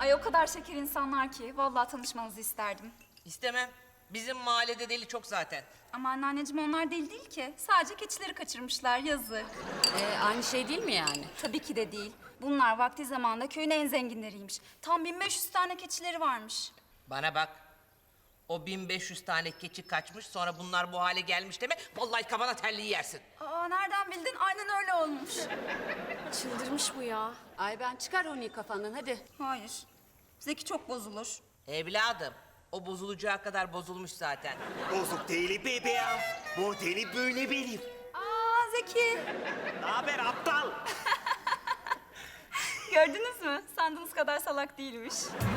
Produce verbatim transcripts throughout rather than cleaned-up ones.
Ay o kadar şeker insanlar ki vallahi tanışmanızı isterdim. İstemem. Bizim mahallede deli çok zaten. Ama anneanneciğim onlar deli değil ki. Sadece keçileri kaçırmışlar yazık. Ee, aynı şey değil mi yani? Tabii ki de değil. Bunlar vakti zamanında köyün en zenginleriymiş. Tam bin beş yüz tane keçileri varmış. Bana bak. O bin beş yüz tane keçi kaçmış, sonra bunlar bu hale gelmiş deme. Vallahi kafana terliği yersin. Aa nereden bildin? Aynen öyle olmuş. Çıldırmış bu ya. Ay ben çıkar onu kafandan hadi. Hayır. Zeki çok bozulur. Evladım, o bozulacağı kadar bozulmuş zaten. Bozuk değil bebeğim. Modeli böyle benim. Aa Zeki. Ne haber aptal? Gördünüz mü? Sandığınız kadar salak değilmiş.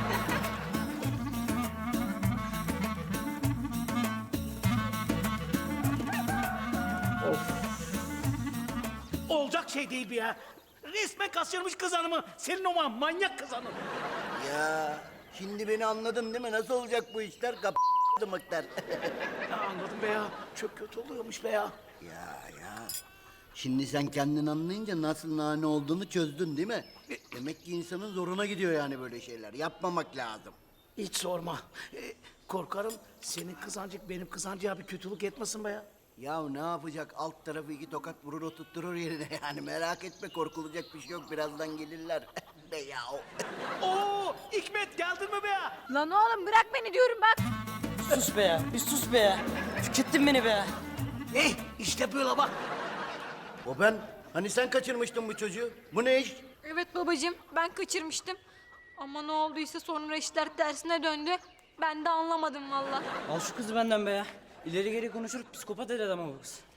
Olacak şey değil bu ya. Resmen kaçırmış kız hanımı. Senin o man- manyak kız hanım. Ya şimdi beni anladın değil mi? Nasıl olacak bu işler? Kap mıktar. Ya anladım be ya. Çok kötü oluyormuş be ya. Ya ya. Şimdi sen kendin anlayınca nasıl nane olduğunu çözdün değil mi? Demek ki insanın zoruna gidiyor yani böyle şeyler. Yapmamak lazım. Hiç sorma. Ee, korkarım senin kızancık benim kızancığa bir kötülük etmesin be ya. Ya ne yapacak? Alt tarafı iki tokat vurur oturtturur yerine yani. Merak etme, korkulacak bir şey yok. Birazdan gelirler. Be ya. Oo, Hikmet geldin mi be ya? Lan oğlum bırak beni diyorum bak. Sus be ya, bir sus be ya. Tükettin beni be ya. Eh işte böyle bak. O ben. Hani sen kaçırmıştın bu çocuğu? Bu ne iş? Evet babacığım ben kaçırmıştım. Ama ne olduysa sonra işler tersine döndü. Ben de anlamadım valla. Al şu kızı benden be ya. İleri geri konuşur, psikopat eder ama bu kız.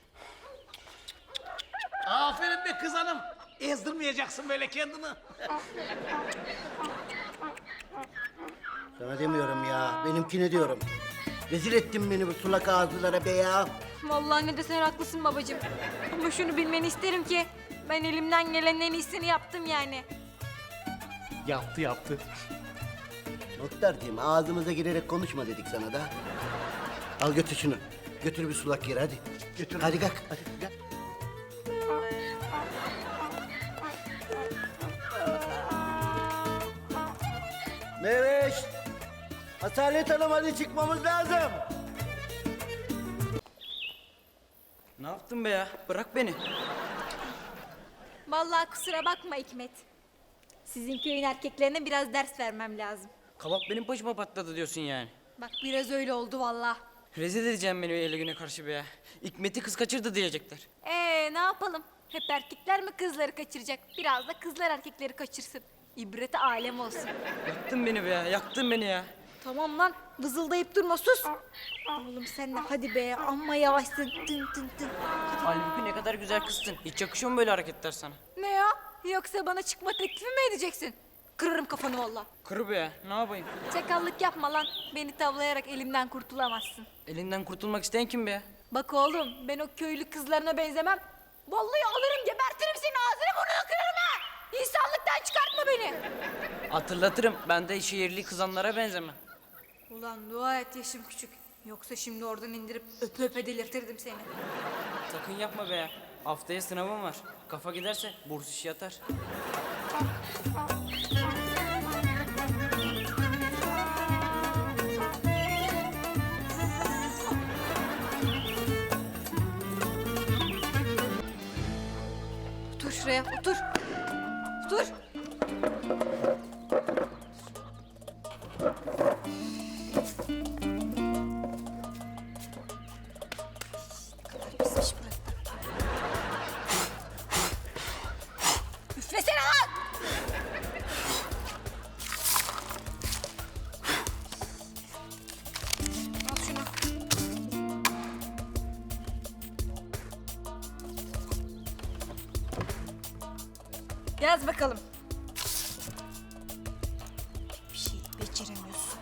Aferin be kız hanım. Ezdirmeyeceksin böyle kendini. Sana demiyorum ya. Benimkine diyorum. Rezil ettin beni bu sulak ağızlılara be ya. Vallahi ne desen haklısın babacığım. Ama şunu bilmeni isterim ki ben elimden gelenin en iyisini yaptım yani. Yaptı yaptı. Muhtarcığım ağzımıza girerek konuşma dedik sana da. Al götür şunu. Götür bir sulak yere hadi. Götür. Hadi kalk. Hadi kalk. Meveş. Asalet Hanım hadi çıkmamız lazım. Ne yaptın be ya? Bırak beni. Vallahi kusura bakma Hikmet. Sizin köyün erkeklerine biraz ders vermem lazım. Kabak benim başıma patladı diyorsun yani. Bak biraz öyle oldu vallahi. Rezil edeceğim beni öyle güne karşı be ya. Hikmet'i kız kaçırdı diyecekler. Ee ne yapalım? Hep erkekler mi kızları kaçıracak? Biraz da kızlar erkekleri kaçırsın. İbreti alem olsun. Yaktın beni be ya, yaktın beni ya. Tamam lan vızıldayıp durma sus. Oğlum sen de hadi be amma yavaşsın tın tın tın. Halbuki ne kadar güzel kızsın. Hiç yakışıyor mu böyle hareketler sana? Ne ya? Yoksa bana çıkma teklifi mi edeceksin? Kırarım kafanı valla. Kır be ya, ne yapayım? Çakallık yapma lan. Beni tavlayarak elimden kurtulamazsın. Elinden kurtulmak isteyen kim be ya? Bak oğlum ben o köylü kızlarına benzemem. Vallahi alırım gebertirim seni ağzını burnunu kırarım ha. İnsanlıktan çıkartma beni. Hatırlatırım, ben de şehirli kızanlara benzemem. Ulan dua et yaşım küçük. Yoksa şimdi oradan indirip öpe öpe delirtirdim seni. Sakın yapma be ya. Haftaya sınavım var. Kafa giderse burs işi yatar. Otur şuraya otur. Otur. Pismiş burası. Üflesene lan! Al şunu. Yaz bakalım. Bir şey beceremiyorsun.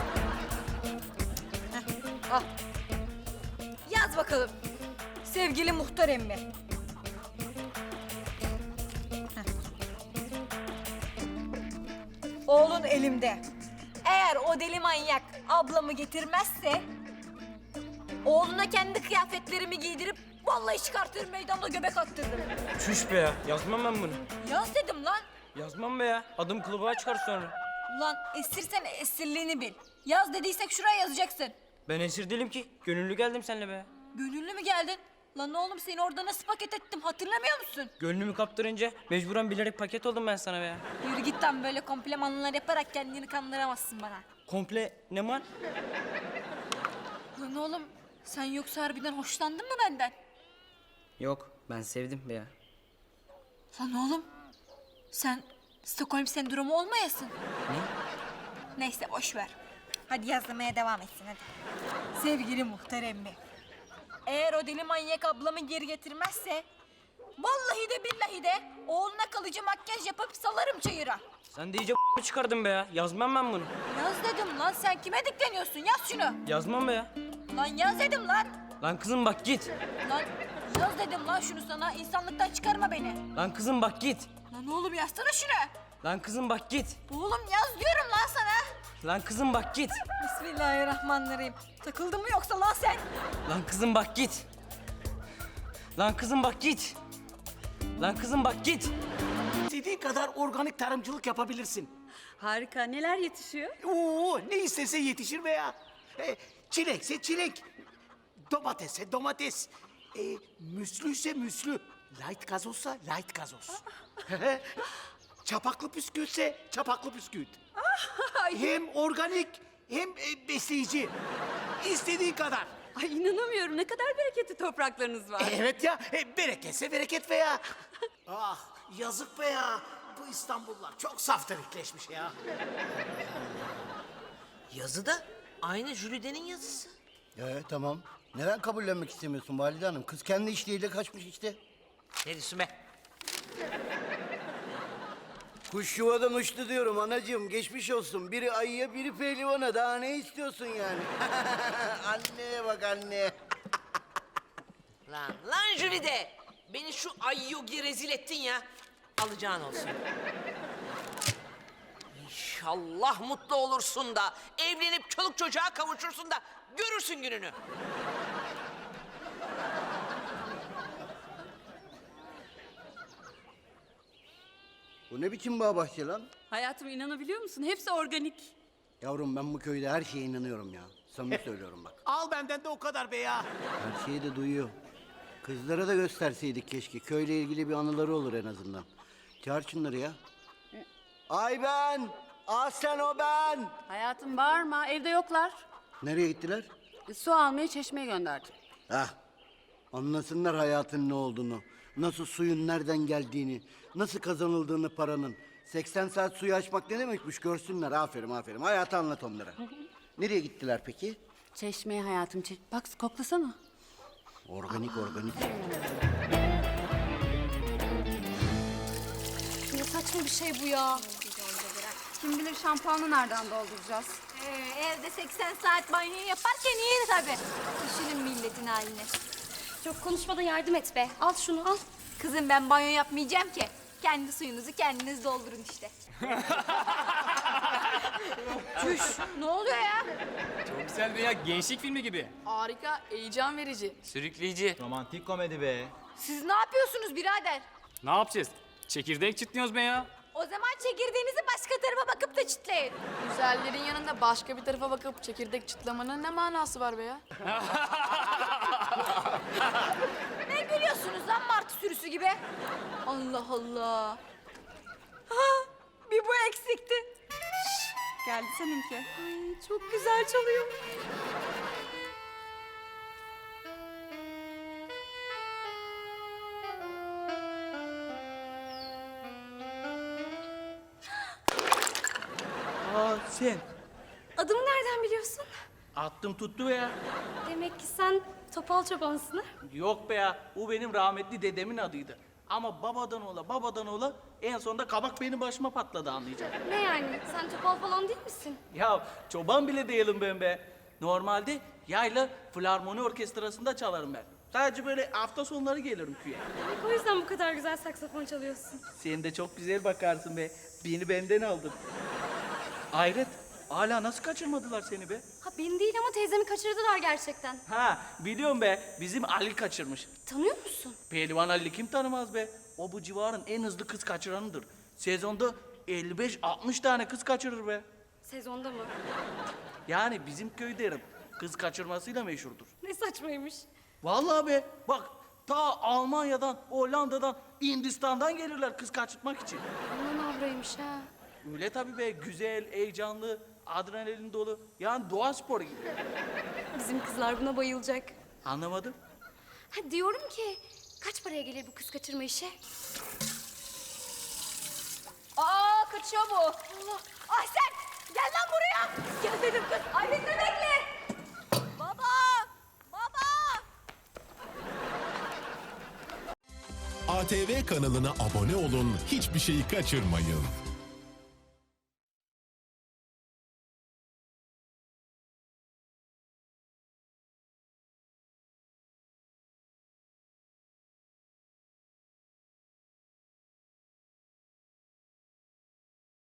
Heh, al. Yaz bakalım. Sevgili muhtar emmi. Heh. Oğlun elimde. Eğer o deli manyak ablamı getirmezse... ...oğluna kendi kıyafetlerimi giydirip... ...vallahi çıkartırım meydanda göbek attırdım. Çüş be ya, yazmam ben bunu. Yaz dedim lan. Yazmam be ya, adım kılıbığa çıkar sonra. Ulan esirsen esirliğini bil. Yaz dediysek şuraya yazacaksın. Ben esir değilim ki. Gönüllü geldim seninle be. Gönüllü mü geldin? Lan oğlum seni orada nasıl paket ettim hatırlamıyor musun? Gönlümü kaptırınca mecburen bilerek paket oldum ben sana be. Yürü git lan, böyle komplimanlar yaparak kendini kandıramazsın bana. Komple ne var? Lan oğlum sen yoksa harbiden hoşlandın mı benden? Yok, ben sevdim be ya. Lan oğlum sen Stockholm sendromu olmayasın. Ne? Neyse boş ver. Hadi yazmaya devam etsin hadi. Sevgili muhtar emmi. Eğer o deli manyak ablamı geri getirmezse... ...vallahi de billahi de oğluna kalıcı makyaj yapıp salarım çayıra. Sen de iyice çıkardın be ya. Yazmam ben bunu. Yaz dedim lan, sen kime dikleniyorsun? Yaz şunu. Yazmam be ya. Lan yaz dedim lan. Lan kızım bak git. Lan yaz dedim lan şunu sana. İnsanlıktan çıkarma beni. Lan kızım bak git. Lan oğlum yazsana şunu. Lan kızım bak git. Oğlum yaz diyorum lan sana. Lan kızım bak git. Bismillahirrahmanirrahim. Takıldın mı yoksa lan sen? Lan kızım bak git. Lan kızım bak git. Lan kızım bak git. İstediğin kadar organik tarımcılık yapabilirsin. Harika. Neler yetişiyor? Oo, ne istese yetişir be ya. E, çilekse çilek, domatesse domates, e, müslüyse müslü, light gazozsa light gazoz. Çapaklı püskülse çapaklı püskült. Hem organik hem e, besleyici. İstediğin kadar. Ay inanamıyorum. Ne kadar bereketli topraklarınız var. Evet ya, e, bereketse bereket be ya. Ah, yazık be ya. Bu İstanbullular çok saftirikleşmiş ya. Yazı da aynı Jülide'nin yazısı. Ee, tamam. Neden kabullenmek istemiyorsun Valide Hanım? Kız kendi işliğiyle kaçmış işte. Ne diyorsun be? Kuş yuvadan uçtu diyorum anacığım. Geçmiş olsun. Biri ayıya, biri pehlivana. Daha ne istiyorsun yani? Anneye bak anne. Lan, lan Jülide! Beni şu ayyogi rezil ettin ya. Alacağın olsun. İnşallah mutlu olursun da, evlenip çoluk çocuğa kavuşursun da görürsün gününü. Bu ne biçim bağ bahçe lan? Hayatım inanabiliyor musun? Hepsi organik. Yavrum ben bu köyde her şeye inanıyorum ya. Samimi söylüyorum bak. Al benden de o kadar be ya. Her şeyi de duyuyor. Kızlara da gösterseydik keşke. Köyle ilgili bir anıları olur en azından. Çağır şunları ya. Ay ben! Aslen o ben! Hayatım bağırma. Evde yoklar. Nereye gittiler? E, Su almaya çeşmeye gönderdim. Hah. Anlasınlar hayatın ne olduğunu. Nasıl suyun nereden geldiğini. Nasıl kazanıldığını paranın. seksen saat suyu açmak ne demekmiş görsünler. Aferin aferin. Hayatı anlat onlara. Nereye gittiler peki? Çeşmeye hayatım. Çeş... Bak koklasana. Organik organik. Ne saçma bir şey bu ya. Kim bilir şampuanı nereden dolduracağız? Ee, evde seksen saat banyo yaparken iyi tabii. Düşünün milletin halini. Çok konuşmadan yardım et be. Al şunu al. Kızım ben banyo yapmayacağım ki. Kendi suyunuzu kendiniz doldurun işte. Çüş, ne oluyor ya? Çok güzel veya gençlik filmi gibi. Harika. Heyecan verici. Sürükleyici. Romantik komedi be. Siz ne yapıyorsunuz birader? Ne yapacağız? Çekirdek çıtlıyoruz be ya. O zaman çekirdeğinizi başka tarafa bakıp da çitleyin. Güzellerin yanında başka bir tarafa bakıp çekirdek çıtlamanın ne manası var be ya? Ne gülüyorsunuz lan martı sürüsü gibi? Allah Allah. Ha, bir bu eksikti. Geldi seninki. Ay, çok güzel çalıyor. Aa, sen. Adımı nereden biliyorsun? Attım tuttu be ya. Demek ki sen topal çobansın ha? Yok be ya, o benim rahmetli dedemin adıydı. Ama babadan ola, babadan ola en sonunda kabak benim başıma patladı anlayacaksın. Ne yani? Sen topal falan değil misin? Ya çoban bile değilim ben be. Normalde yayla filarmoni orkestrasında çalarım ben. Sadece böyle hafta sonları gelirim köye. Demek o yüzden bu kadar güzel saksafon çalıyorsun. Sen de çok güzel bakarsın be. Beni benden aldın. Hayret, hala nasıl kaçırmadılar seni be? Ha beni değil ama teyzemi kaçırdılar gerçekten. Ha, biliyorum be. Bizim Ali kaçırmış. Tanıyor musun? Pehlivan Ali kim tanımaz be? O bu civarın en hızlı kız kaçıranıdır. Sezonda elli beş altmış tane kız kaçırır be. Sezonda mı? Yani bizim köy derim kız kaçırmasıyla meşhurdur. Ne saçmaymış. Vallahi be bak ta Almanya'dan, Hollanda'dan, Hindistan'dan gelirler kız kaçırtmak için. Aman avraymış ha. Öyle tabii be güzel, heyecanlı, adrenalin dolu. Yani doğa sporu gibi. Bizim kızlar buna bayılacak. Anlamadım. Ha, diyorum ki kaç paraya gelir bu kız kaçırma işi? Aa kaçıyor bu. Allah. Ay sen gel lan buraya. Gel dedim kız. Ay beni de bekle. Baba. Baba. A T V kanalına abone olun, hiçbir şeyi kaçırmayın.